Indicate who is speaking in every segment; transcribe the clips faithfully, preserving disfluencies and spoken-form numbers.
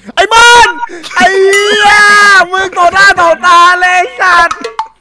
Speaker 1: ไอ้บอลไอ้เหี้ยมึงต่อหน้าต่อตาเลยสัตว์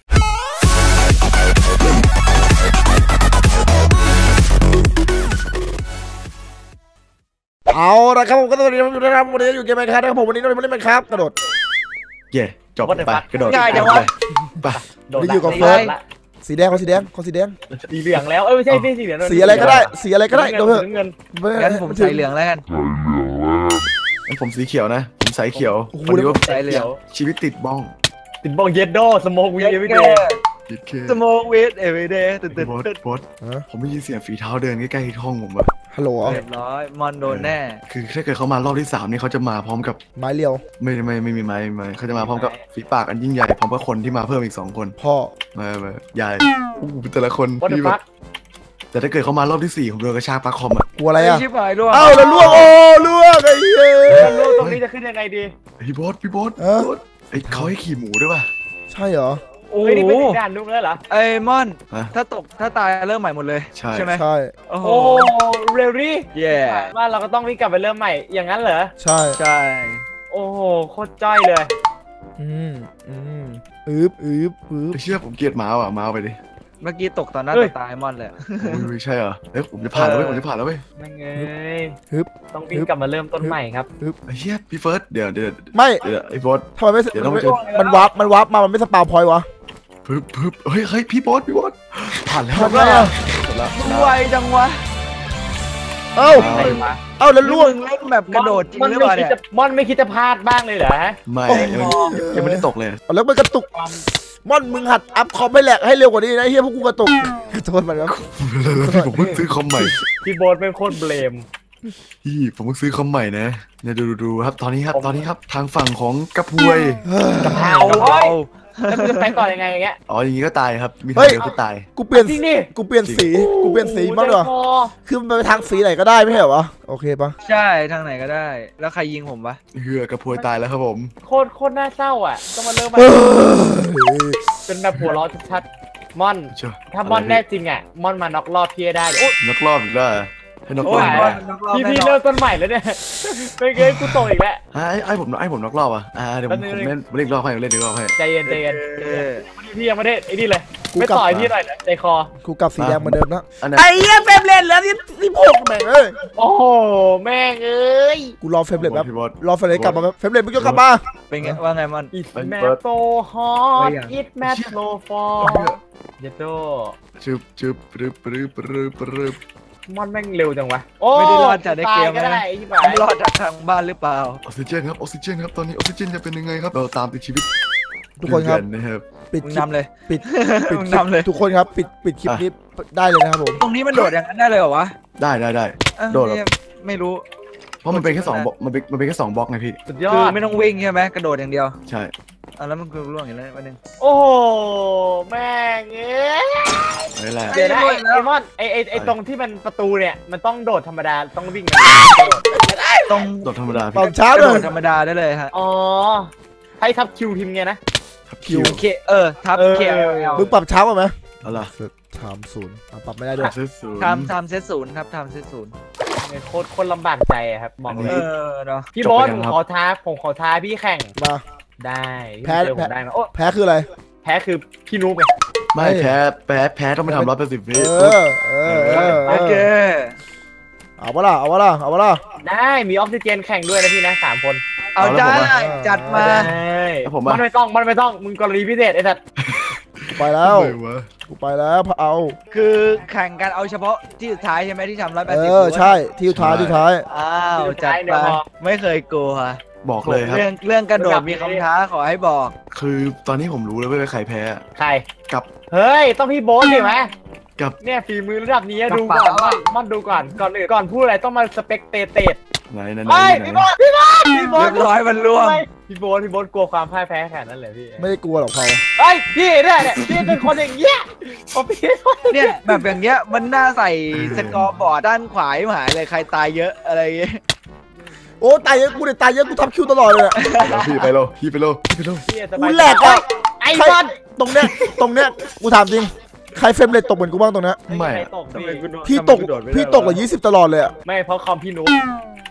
Speaker 1: เอาละครับผมก็สวัสดีทุกท่านครับวันนี้อยู่เกมไมค์ครับนะครับผมวันนี้เราไม่ได้ไมค์ครับกระโดด
Speaker 2: เย่จบไปกระโดด
Speaker 3: ง่ายจังวะ
Speaker 2: ไป
Speaker 1: นี่อยู่กับเฟิร์สสีแดงเขาสีแดงเขาสีแดง
Speaker 3: สีเหลืองแล้วเอ้ยไม่ใช่ไม่สีเหลือง
Speaker 1: สีอะไรก็ได้สีอะไรก็ได้โดนเถอะ
Speaker 3: เงิน
Speaker 4: งั้นผมใส่เหลืองแล้วกัน
Speaker 2: งั้นผมสีเขียวนะผมสายเขียวคนนี้ว่า
Speaker 4: ใส่เหลือง
Speaker 2: ชีวิตติดบ้อง
Speaker 3: ติดบ้องเยดโดสโมกวีเอวีเดย์
Speaker 4: สโมกวีเอวีเดย์ตื่นตื่น
Speaker 2: บอสบอสผมได้ยินเสียงฝีเท้าเดินใกล้ๆห้องผมอะ
Speaker 1: ฮัลโหล
Speaker 4: เรียบร้อยมอนโดนแน่
Speaker 2: คือถ้าเกิดเขามารอบที่สามนี่เขาจะมาพร้อมกับ
Speaker 1: ไม้เรียว
Speaker 2: ไม่ไม่ไม่มีไม้ไม้เขาจะมาพร้อมกับฝีปากอันยิ่งใหญ่พร้อมกับคนที่มาเพิ่มอีกสองคน
Speaker 1: พ่อ
Speaker 2: มามาใหญ่อู้แต่ละคนที่แบบแต่ถ้าเกิดเขามารอบที่สี่ผมโดนกระชากปลั๊กคอมอะ
Speaker 1: กลัวอะไรอะ
Speaker 4: ชิบหายล่วง
Speaker 1: เอ้าแล้วล่วงโอ้ล่วงไอ้เหี้ย
Speaker 3: ล่วงตรงนี้จะขึ้นยังไงดี
Speaker 2: พี่บอสพี่บอสไอ้เขาให้ขี่หมูด้วยป่ะ
Speaker 1: ใช่เหรอ
Speaker 3: โอ้ยนี่เป็นด่านนุ๊กแล้วเหรอ
Speaker 4: ไอ้มอนถ้าตกถ้าตายเริ่มใหม่หมดเลยใช่ไหม
Speaker 1: ใช่
Speaker 4: โอ้โห
Speaker 3: เรลลี่
Speaker 4: เย่
Speaker 3: ว่าเราก็ต้องวิ่งกลับไปเริ่มใหม่อย่างนั้นเหรอ
Speaker 1: ใช่
Speaker 4: ใช่
Speaker 3: โอ้โหโคตรจ้อยเลย
Speaker 1: อืมอืมอืบอืบอืบ
Speaker 2: เชื่อผมเกลียดหมาอ่ะหมาไปดิ
Speaker 4: เมื่อกี้ตกตอนหน้าตายมอนเลย
Speaker 2: ไม่ใช่เหรอเอ้ยผมจะผ่านแล้วเว้ยผมจะผ่านแล้วเว้ย
Speaker 3: ไม่เงยฮึบต้องวิ่งกลับมาเริ่มต้นใหม่ครับ
Speaker 1: ฮึบ
Speaker 2: เชี่ยพี่เฟิร์สเดี๋ยวเดี๋ยว
Speaker 1: ไม่
Speaker 2: เดี๋ยวไอ้บอส
Speaker 1: ทำไมไม่เดี๋ยวต้องมันวับมันวับมามันไม่สปาวพอยวะ
Speaker 2: ปึ๊บปึ๊บเฮ้ยเฮ้ยพี่บอสพี่บอสผ่านแล้ว
Speaker 1: ทำไงอ่ะ
Speaker 4: ไวจังวะ
Speaker 1: เอ้าเอ้าแล้วล่วง
Speaker 4: เล่นแบบกระโดดจริงหรือเปล่าเนี่ย
Speaker 3: มอนไม่คิดจะพลาดบ้างเลยเหรอ
Speaker 2: ไม่ยังไม่ได้ตกเลย
Speaker 1: แล้วมันกระตุกม่อนมึงหัดอัพคอมให้แหลกให้เร็วกว่านี้นะเฮียพวกกูกระตุกโทษมันครับ
Speaker 2: พี่ผมเพิ่งซื้อคอมใหม่
Speaker 3: พี่โบ๊ทเป็นโคตรเบลม
Speaker 2: พี่ผมเพิ่งซื้อคอมใหม่นะเนี่ยดูดูครับตอนนี้ครับตอนนี้ครับทางฝั่งของกระพวย
Speaker 3: กระเพราแล้วมึงจะไปต่อยังไงอย่างเงี้ย
Speaker 2: อ๋ออย่างงี้ก็ตายครับมีทางเดียวก็ตาย
Speaker 1: กูเปลี่ยนกูเปลี่ยนสีกูเปลี่ยนสีบ้างเหรอคือมันไปทางสีไหนก็ได้ไม่ใช่เหรอโอเคปะ
Speaker 4: ใช่ทางไหนก็ได้แล้วใครยิงผมปะ
Speaker 2: เฮือกระพวยตายแล้วครับผม
Speaker 3: โคตรโคตรน่าเศร้าอ่ะต้องมาเริ่มใหม่เป็นแบบหัวร้อนชัดๆม่อนถ้าม่อนแน่จริงอ่ะม่อนมาน็อกรอบพี่ได้
Speaker 2: น็อกรอบอีกแล้วให้น็อกรอบ
Speaker 3: พี่พี่เริ่มต้นใหม่แล้วเนี่ยไม่เกยกูตกอีกแล้ว
Speaker 2: ไอ้ไอ้ผมไอ้ผมน็อกรอบอ่ะอ่าเดี๋ยวผมเล่นเล่นรอบให้เล่นรอบให้
Speaker 3: ใจเย็นใจเย็นพี่ยังไม่ได้ไอ้นี่เลยไม่ต่อยพี่หน่อยใจคอ
Speaker 1: กูกลับสีแดงเหมือนเดิมนะไอ้เหี้ยเฟรมเลนแล้วที่ที่พวกแม่งเอ้ย
Speaker 3: โอ้โหแม่งเอ้ย
Speaker 1: กูรอเฟรมเลนแบบรอเฟรมเลนกลับมาเฟรมเลนมึงจะกลับมา
Speaker 4: เป็นไงว่าไงมัน
Speaker 3: It's mad so hot It's mad so far เยโต้
Speaker 2: จึ๊บจึ๊บปรึบปรึบปรึบปรึบ
Speaker 3: มอนแม่งเร็วจังวะ
Speaker 4: ไม่ได้รอดจากในเกม
Speaker 3: นะ
Speaker 4: ไม่รอดจากทางบ้านหรือเปล่า
Speaker 2: ออกซิเจนครับออกซิเจนครับตอนนี้ออกซิเจนจะเป็นยังไงครับเราตามติดชีวิต
Speaker 1: ทุกคนครับ
Speaker 2: นะครับ
Speaker 1: ปิด
Speaker 4: นำเลย
Speaker 1: ปิดปิดนำเลยทุกคนครับปิดปิดคลิปนี้ได้เลยนะครับผม
Speaker 4: ตรงนี้มันโดดอย่างนั้นได้เลยเหรอวะ
Speaker 2: ได้ได้ได้โดด
Speaker 4: ไม่รู้
Speaker 2: เพราะมันเป็นแค่สองบล็อกมันเป็นมันเป็นแค่สองบล็อกไงพี่
Speaker 3: สุดยอด
Speaker 4: คือไม่ต้องวิ่งใช่ไหมกระโดดอย่างเดียว
Speaker 2: ใช่
Speaker 4: อ่ะแล้วมันคือล่วงอย่างไรวันนึง
Speaker 3: โอ้แม่งเอ้ย
Speaker 2: นี่แหละ
Speaker 3: เดี๋ยวนะไอมอนไอไอไอตรงที่มันประตูเนี่ยมันต้องโดดธรรมดาต้องวิ่ง
Speaker 4: ต้อง
Speaker 2: โดดธรรมดา
Speaker 1: ตอนเช้าโด
Speaker 4: ดธรรมดาได้เลยฮะ
Speaker 3: อ๋อให้ทับคิวทีมไงนะ
Speaker 2: ทับคิว
Speaker 4: เคเออทับเค
Speaker 1: มึงปรับเช้าไหม
Speaker 2: อะไร
Speaker 1: ทำศูนย์ปรับไม่ได้ด้วย
Speaker 4: ทำทำเซตศูนย์ครับทำเซตศูนย์
Speaker 3: โคตรคนลำบากใจครับมองเลยพี่บอสผมขอท้าผมขอท้าพี่แข่ง
Speaker 1: มา
Speaker 3: ได้
Speaker 1: แพ้
Speaker 3: ได้มาโอ้
Speaker 1: แพ้คืออะไร
Speaker 3: แพ้คือพี่นุ๊กไง
Speaker 2: ไม่แพ้แพ้แพ้ต้องไปทำร้อยแปดสิบวิ
Speaker 1: เออเออโอเคเอาวะล่ะเอาวะล่ะเอาวะล่ะ
Speaker 3: ได้มีออกซิเจนแข่งด้วยนะพี่นะสามคน
Speaker 4: เอาได้จัดมา
Speaker 3: มันไม่ต้องมันไม่ต้องมึงกรณีพิเศษไอ้สัตว์
Speaker 1: ไปแล้วกูไปแล้วเอา
Speaker 4: คือแข่งกันเอาเฉพาะที่สุดท้ายใช่ไหมที่ทำร้อยแปดสิบ
Speaker 1: เออใช่ที่สุดท้ายที่ท้าย
Speaker 4: อ้าวจัดไปไม่เคยกลัว
Speaker 2: บอกเลยครับ
Speaker 4: เรื่องเรื่องกระโดดมีคำท้าขอให้บอก
Speaker 2: คือตอนนี้ผมรู้แล้วว่าใครแพ้
Speaker 3: ใคร
Speaker 2: กับ
Speaker 3: เฮ้ยต้องพี่โบ๊ทดิไหม
Speaker 2: กับ
Speaker 3: เนี่ยฝีมือระดับนี้ดูก่อนมันดูก่อนก่อนอื่นก่อนพูดอะไรต้องมาสเปกเตเตด
Speaker 2: ไหนนั่น
Speaker 3: พี่โบ๊ทพี่โบ๊ทพี่โบ๊ท
Speaker 4: เรียบร้อยมันล่วง
Speaker 3: พี่โบ๊ทพี่โบ๊ทกลัวความพ่ายแพ้แค่นั้นเลยพี่
Speaker 1: ไม่ได้กลัวหรอกเขา
Speaker 3: เฮ้ยพี่เนี่ยเนี่ยพี่เป็นคนอย่างเงี้ยผมพี่
Speaker 4: เนี่ยแบบอย่างเงี้ยมันน่าใส่สกอร์บอร์ดด้านขวาหายเลยใครตายเยอะอะไรเงี้ย
Speaker 1: โอ้ตายเยอะกูเนี่ยตายเยอะกูทับคิวตลอดเลย
Speaker 2: พี่ไปโลพี่ไปโลพี่ไปโล
Speaker 1: กูแหลกอ่ะ
Speaker 3: ไอ้บอล
Speaker 1: ตรงเนี้ยตรงเนี้ยกูถามจริงใครเฟรมเรทตกเหมือนกูบ้างตรงนี้
Speaker 2: ไม่
Speaker 1: พี่ตกพี่ตกกว่ายี่สิบตลอดเลยอ่ะ
Speaker 3: ไม่เพราะคอมพี่นุ๊ก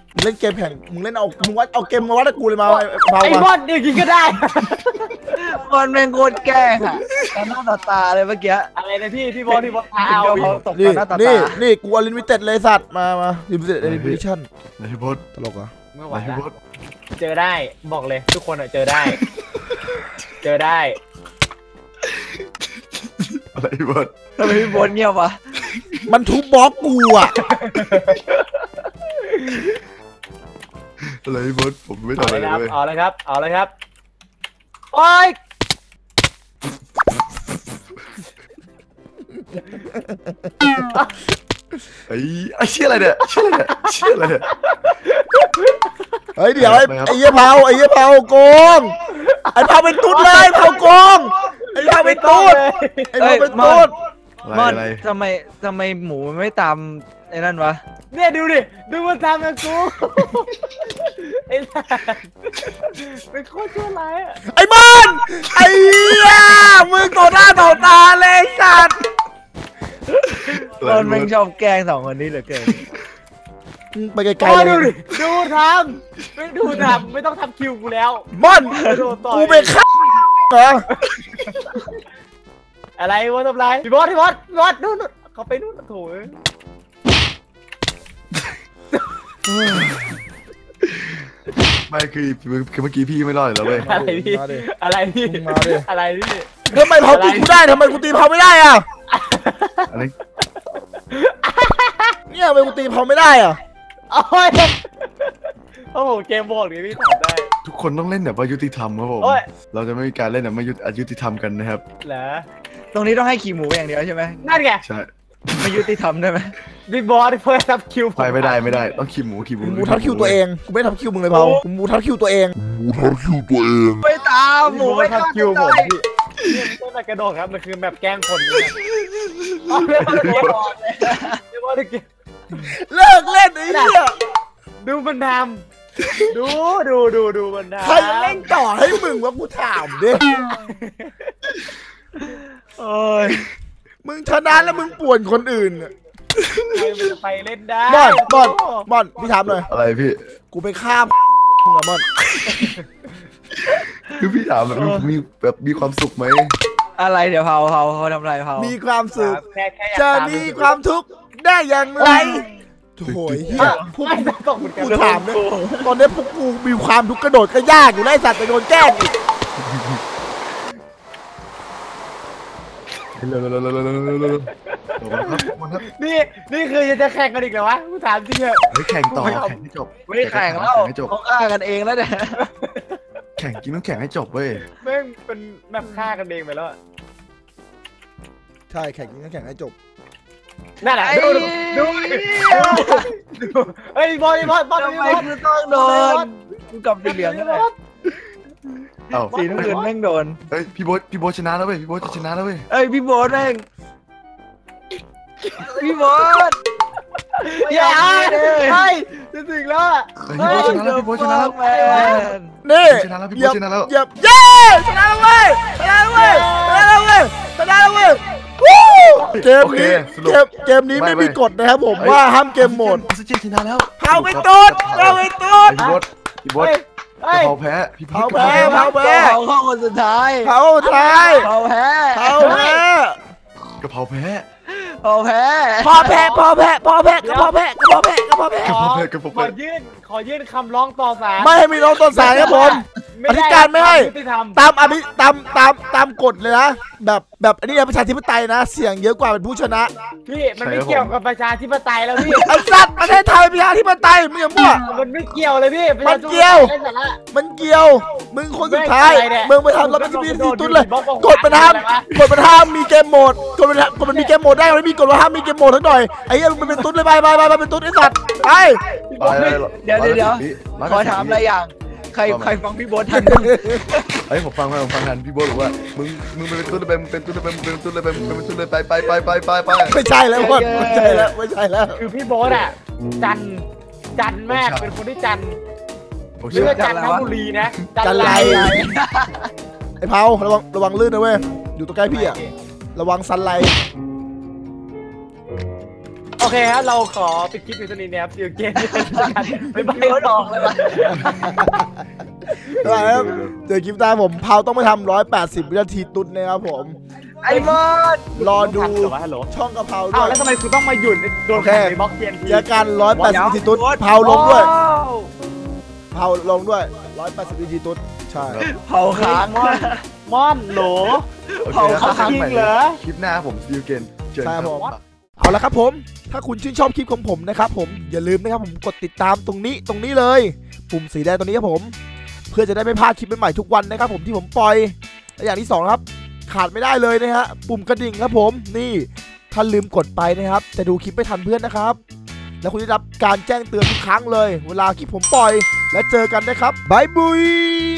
Speaker 1: มึงเล่นเกมแข่งมึงเล่นเอามึงวัดเอาเกมมาวัดกับกูเลยมาเผา
Speaker 3: ไอ้บ
Speaker 1: มา
Speaker 3: อลอย่างนี้ก็ได้
Speaker 4: มันเป็นโคตรแกล้งอะตาหน้าต่อตาเลยเมื่อกี้
Speaker 3: อะไรนะพี่พี่บอลพี่บอลเอา
Speaker 4: เขาตก
Speaker 1: นี่
Speaker 4: ตาหน้าต่อ
Speaker 1: นี่
Speaker 4: ตา
Speaker 1: นี่กูอลิมิเต็ดเลยสัตว์มามาลิมิเต็ดเอดิชั่น
Speaker 2: ไหนพี่โบ๊ท
Speaker 1: ตลกเหรอ
Speaker 3: ไม่ไหว
Speaker 2: ไหนพี่
Speaker 3: ละ
Speaker 2: โบ๊ท
Speaker 3: เจอได้บอกเลยทุกคนอะเจอได้ เจอได้
Speaker 2: อะไรพี่โบ๊ท
Speaker 4: ทำไมพี่โบนเงียบวะ
Speaker 1: มันทุบบล็อกกูอ่ะ
Speaker 2: อะไรพี่โบ๊ทผมไม่
Speaker 3: เอา
Speaker 2: ทำอะไร
Speaker 3: เลยครับ
Speaker 2: เลย
Speaker 3: เอาเลยครับเอาเลยครับโอ้ย
Speaker 2: ไอ้ไอ้เชี่ยอะไรเนี่ยเชี่ยอะไรเนี่ยเชี่ยอะไรเนี่ย
Speaker 1: เฮ้ยเดี๋ยวไอ้
Speaker 2: ไปครับ
Speaker 1: ไอ้เหี้ยเผาไอ้เหี้ยเผาโกงไอ้เผาเป็นตุ๊ดเลยเผาโกงไอ้เผาเป็นตุ๊ดไอ้เผาเป็นตุ๊ด
Speaker 2: อะไร
Speaker 4: มอน
Speaker 2: อะไร
Speaker 4: ทำไมทำไมหมูมันไม่ตามไอ้นั่นวะ
Speaker 3: เนี่ยดูดิดูมันทำกับกูไอ้สัสเป็นโคตรชั่วร้ายอะ
Speaker 1: ไอ้บอลไอ้เหี้ยมึงต่อหน้าต่อตาเลยไอ้สัตว์
Speaker 2: อะไร
Speaker 4: ตอนแม่
Speaker 2: พี่
Speaker 4: ง
Speaker 2: โบ๊ท
Speaker 4: ชอบแกล้งสองคนนี้เหลือเกิน
Speaker 1: ไปไกล
Speaker 3: โอ้
Speaker 1: ๆ
Speaker 3: ดู
Speaker 1: เล
Speaker 3: ดิ
Speaker 1: ย
Speaker 3: ดูทำไม่ดูทำไม่ต้องทำคิวกูแล้ว
Speaker 1: บอล
Speaker 3: โดนต่อย
Speaker 1: กูไปฆ่าเหรอ
Speaker 3: อะไรวะทำไรพี่บอสพี่บอสพี่บอสนู่นนู่นเขาไปนู่นโถ่เอ้ย
Speaker 2: ไม่คือคือเมื่อกี้พี่ไม่รอดอยู่แล้วเว้ย
Speaker 3: อะไรพี่
Speaker 1: มาดิ
Speaker 3: อะไรพี่
Speaker 1: มาดิ
Speaker 3: อะไรพี่
Speaker 1: ทำไมเผาตีกูได้ทำไมกูตีเผาไม่ได้อ่ะ
Speaker 2: อะไร
Speaker 1: เนี่ยทำไมกูตีเผาไม่ได้อ่ะ
Speaker 3: โอ้ยโอ้โหเกมโหมดนี้พี่ทำได้
Speaker 2: ทุกคนต้องเล่นแบบว่ายุติธรรมครับผม
Speaker 3: โอ้ย
Speaker 2: เราจะไม่มีการเล่นแบบไม่ยุติอยุติธรรมกันนะครับ
Speaker 3: เหรอ
Speaker 4: ตรงนี้ต้องให้ขี่หมูอย่างเดียวใช่ไหม
Speaker 3: นั่นไง
Speaker 2: ใช่
Speaker 4: ไม่ยุติธรรมได้ไหม
Speaker 3: พี่บอสเพิ่มทับคิวผ
Speaker 2: ไปไม่ได้ไม่ได้ต้องขีหมูขีหมู
Speaker 1: กูมูทับคิวตัวเองกูไม่ทับคิวมึงเลยเผากูมูทับคิวตัวเอง
Speaker 4: ไม่ตามหมู
Speaker 3: พี่บอ
Speaker 4: ไม่
Speaker 3: สทั
Speaker 4: ตา
Speaker 3: บ
Speaker 4: ม
Speaker 3: คิวผมพี่นี่ไม่ใช่แบบกระโดดครับมันคือแบบแกล้งคนนะครับเอาเรื่องอะไรเนี่ยพี่บอสเกม
Speaker 1: เลิกเล่นไอ้เหี้ย
Speaker 3: ดูมันทำดูดูดูดูมันทำ
Speaker 1: ใครเล่นต่อให้มึงวะกูถามดิ
Speaker 4: โอ้ย
Speaker 1: มึงชนะแล้วมึงป่วนคนอื่นอะ
Speaker 3: ใครมันจะไปเล่นได้
Speaker 1: บอลบอลบอลพี่ถามหน่อย
Speaker 2: อะไรพี่
Speaker 1: กูไปฆ่ามึงอะบอล
Speaker 2: คือพี่ถามแบบมีแบบมีความสุขไหม
Speaker 4: อะไรเดี๋ยวเผาเผาเขาทำอะไรเผา
Speaker 1: มีความสุข
Speaker 3: แค่แค่อยาก
Speaker 1: จะ
Speaker 3: ตาม
Speaker 1: มีความทุกข์ได้อย่างไรโถ่เฮียพวก
Speaker 3: ไม่ต้องตกเหมือนกัน
Speaker 1: กูถามเนี่ยตอนนี้พวกกูมีความทุกข์กระโดดก็ยากอยู่ได้สัตว์ไปโดนแกล้งอีก
Speaker 2: เร็วเร็วเร็วเร็วเร็วเร็วเร็วเร็วครับมันครับ
Speaker 3: นี่นี่คือจะแข่งกันอีกเหรอวะกูถามจริงเหรอ
Speaker 2: เฮ้ยแข่งต่อแข่งให้จบ
Speaker 4: ไม่แข่งแล้ว
Speaker 2: แข่งให้จบ
Speaker 4: เขาฆ่ากันเองแล้วเนี่ย
Speaker 2: แข่งกินต้องแข่งให้จบเว้ย
Speaker 3: แม่งเป็นแบบฆ่ากันเองไปแล้วอะ
Speaker 1: ใช่แข่งกันแข่งให้จบ
Speaker 3: นั่นแหละดูดูดูดูเฮ้ยบอลบอลบอล
Speaker 4: ทำไม
Speaker 3: บอล
Speaker 4: คือต้องโดนกูกลับสีเหลืองก็ได้
Speaker 2: เอ้า
Speaker 4: สีน้ำเงินแม่งโดน
Speaker 2: เฮ้ยพี่โบ๊ทพี่โบ๊ทชนะแล้วเว้ยพี่โบ๊ทจะชนะแล้วเว้ย
Speaker 4: เอ้ยพี่โบทแม่งพี่โบท
Speaker 3: อย่าเฮ้ยจะถึงแล้วอะ
Speaker 2: เฮ้ยพี่โบ๊ทชนะแล้วพี่โบ๊ทชนะแล้ว
Speaker 4: แมน
Speaker 1: นี่
Speaker 2: ชนะแล้วพี่
Speaker 1: เหยียบ
Speaker 2: ชนะแล้ว
Speaker 1: เหยียบเย้ชนะแล้วเว้ยชนะแล้วเว้ยชนะแล้วเว้ยชนะแล้วเว้ยวู้เกมนี้เกมเกมนี้ไม่มีกฎนะครับผมว่าห้ามเกมโหมด
Speaker 2: ออกซิเจนชนะแล้ว
Speaker 1: เผาไปตุ๊ดเผาไปตุ๊ด
Speaker 2: พี่โบ๊ทพี่โบ๊ท
Speaker 3: เฮ้ย
Speaker 2: กะเพราแพ้พี่พี
Speaker 1: เผาแพ้เผาแพ้
Speaker 4: เผาเข้าคนสุดท้าย
Speaker 1: เผาท้าย
Speaker 4: เผาแพ้
Speaker 1: เผาแพ้
Speaker 2: กะเพราแพ้
Speaker 4: เผาแพ้
Speaker 1: พอแพ้พอแพ้พอแพ้ก็พอแพ้ก็พอแพ้ก็พอแพ้
Speaker 2: กะเพราแพ้กะเพรา
Speaker 3: ข
Speaker 2: แพ้
Speaker 3: อยื่นขอยื่นคำร้องต่อศาล
Speaker 1: ไม่ให้มีน้องต้นสายครับผม อธิการไม่ให้
Speaker 3: ยุติธรรม
Speaker 1: ตามอภิตามตามตามกฎเลยนะแบบแบบอันนี้นะประชาธิปไตยนะ เสียงเยอะกว่าเป็นผู้ชนะ
Speaker 3: พี่มันไม่เกี่ยวกับประชาธิปไตยแล้วพี่
Speaker 1: ไอ้สัตว์ประเทศไทยประชาธิปไตยมึงอย่ามั่ว
Speaker 3: มันไม่เกี่ยวเลยพี่ประชาธิป
Speaker 1: มันเกี่ยว
Speaker 3: ไร้สาระ
Speaker 1: มันเกี่ยว มึงคนสุดท้าย
Speaker 3: ไม่อะไรเนี่ย
Speaker 1: มึงไปทำรับผิดชอบที่ตุ้นเลย
Speaker 3: บอกบอก
Speaker 1: กดมันห้ามกดมันห้ามมีเกมโหมดกดมันกดมันมีเกมโหมดได้มันมีกดว่าห้ามมีเกมโหมดทั้งหน่อยไอ้เหี้ยมึงเป็นตุ้นเลยไปไปไปไปเป็นตุ้นไอ้สัตว์ไป
Speaker 2: ไปเลย
Speaker 4: เดี๋ยวเดี๋ยวเดี๋ยว
Speaker 2: ร้ย
Speaker 4: ขอ
Speaker 2: แปดสิบ
Speaker 4: ถามอะไรอย่าง ใครใครฟังพี่โบททัน
Speaker 2: เฮ้ยผมฟังผมฟังทันพี่โบ๊ทบอกว่ามึงมึงเป็นตุ้นเลยไปมึงเป็นตุ้นเลยไปมึงเป็นตุ้นเลยไปมึงเป็นตุ้นเลยไปไปไปไปไปไป
Speaker 1: ไม่ใช่แล้วบอลไม่ใช่แล้วไม่ใช่แล้ว
Speaker 3: คือพี่โบ๊ทอ่ะจันจันมากเป็นคนที่จัน
Speaker 2: โอเค
Speaker 3: เลือกจันทบุรีนะ
Speaker 1: จันไร ไอ้เผาระวังระวังลื่นนะเว้ยอยู่ตัวใกล้พี่อะระวังซันไลท์
Speaker 3: โอเคครับเราขอปิดคลิปในตอนนี้นะครับซิลเกมไม่ไม่
Speaker 4: โยนออกเลยว่ะ
Speaker 1: ได้ครับเจอคลิปหน้าผมเผาต้องไปทำร้อยแปดสิบวินาทีตุ๊ดนะครับผม
Speaker 4: ไอ้มอด
Speaker 1: รอดู
Speaker 3: ฮัลโหล
Speaker 1: ช่องกะเพราด้
Speaker 3: อ้าว
Speaker 1: วย
Speaker 3: แล้วทำไมคุณต้องมาหยุดโดนขังในบล็อกเทียนที
Speaker 1: เจอกันร้อยแปดสิบวินาทีตุ๊ดเผาลงด้วยเผาลงด้วยร้อยแปดสิบวินาทีตุ๊ดใช่
Speaker 4: เผาค้าง
Speaker 3: ม่อนม่อนโหล
Speaker 2: โอเคครับ
Speaker 3: เขาจริงเหรอ
Speaker 2: คลิปหน้าผมซีลเกนเจอ
Speaker 1: ใช่
Speaker 2: กัน
Speaker 1: ผม
Speaker 2: ครับ
Speaker 1: เอาละครับผม ถ้าคุณชื่นชอบคลิปของผมนะครับผมอย่าลืมนะครับผมกดติดตามตรงนี้ตรงนี้เลย ปุ่มสีแดงตรงนี้ครับผม เพื่อจะได้ไม่พลาดคลิปใหม่ๆทุกวันนะครับผมที่ผมปล่อยและอย่างที่สองครับขาดไม่ได้เลยนะฮะปุ่มกระดิ่งครับผมนี่ถ้าลืมกดไปนะครับจะดูคลิปไม่ทันเพื่อนนะครับแล้วคุณจะได้รับการแจ้งเตือนทุกครั้งเลย เวลาคลิปผมปล่อยและเจอกันนะครับบายบุย